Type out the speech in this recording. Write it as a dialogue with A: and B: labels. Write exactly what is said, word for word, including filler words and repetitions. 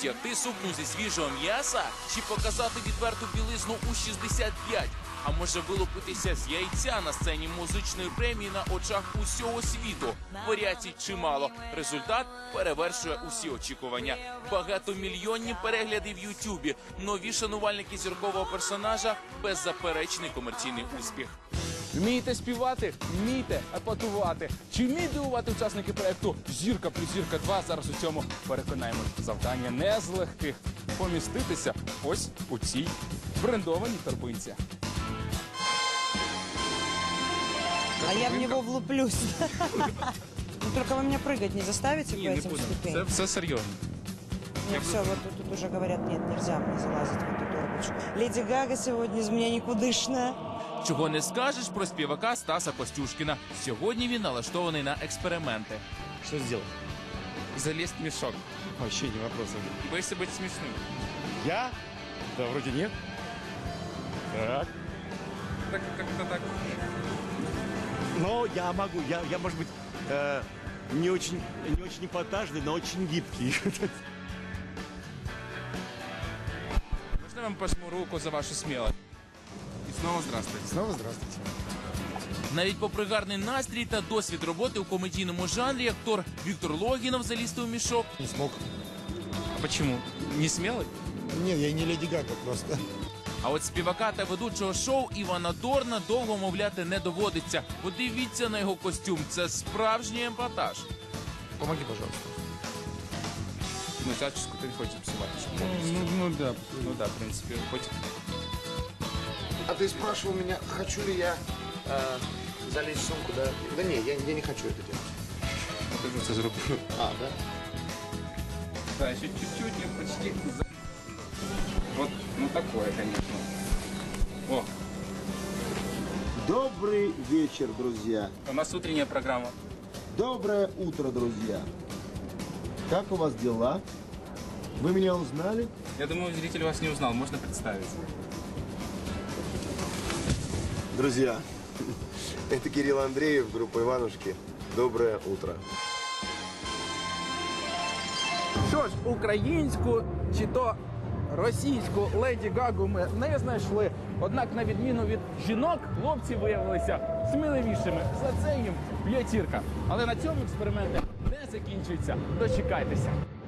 A: Втягти сукню зі свіжого м'яса чи показати відверту білизну у шістдесят п'ять? А може вилупитися з яйця на сцені музичної премії на очах усього світу? Варіацій чимало. Результат перевершує усі очікування. Багатомільйонні перегляди в Ютубі. Нові шанувальники зіркового персонажа – беззаперечний комерційний успіх.
B: Вмієте співати? Вмієте епатувати? Чи вміють дивувати учасники проєкту «Зірка плюс зірка два»? Зараз у цьому переконаємось. Завдання не з легких. Поміститися ось у цій брендованій торбинці.
C: А я в него влуплюсь. Ну, только вы меня прыгать не заставите по этим ступеням?
B: все серйозно.
C: Ну все, вот тут, тут уже говорят, нет, нельзя мне залазить в эту торбочку. Леди Гага сегодня из меня никудышная.
A: Чого не скажеш про співака Стаса Костюшкіна. Сьогодні він налаштований на експерименти.
B: Что сделать? Залезть в мешок. Вообще не вопрос. Боишься быть смешным?
D: Я? Да, вроде нет. Так.
B: Так, как-то так.
D: Но я могу, я, я может быть, э, не очень, не очень эпатажный, но очень гибкий.
B: Можно я вам пожму руку за вашу смелость? И снова здравствуйте.
D: Снова здравствуйте.
A: Навіть попри гарний настрій та досвід роботи у комедійному жанрі, актор Віктор Логінов залізти у мішок
D: Не смог.
B: А почему? Не смелый?
D: Нет, я не Леди Гага просто.
A: А от співака та ведучого шоу Івана Дорна довго мовляти не доводиться. Подивіться на його костюм. Це справжній епатаж.
B: Помоги, пожалуйста. Ну, заческу ты хочешь псовать. Ну, ну, ну да, ну да, в принципе, хоть.
E: А ты спрашивал меня, хочу ли я э, залезть в сумку, да? Да не, я, я не хочу это делать.
B: Покажу, це зроблю.
E: А, да?
B: Да, еще чуть-чуть, я почти. за- Вот, ну такое, конечно. О,
F: Добрый вечер, друзья.
B: у нас утренняя программа.
F: Доброе утро, друзья. Как у вас дела? Вы меня узнали?
B: Я думаю, зритель вас не узнал, можно представиться.
E: Друзья, это Кирилл Андреев, группа Иванушки. Доброе утро.
B: Що ж, українську чи то російську Леді Гагу ми не знайшли. Однак, на відміну від жінок, хлопці виявилися сміливішими. За це їм п'ятірка. Але на цьому експерименти не закінчуються. Дочекайтеся.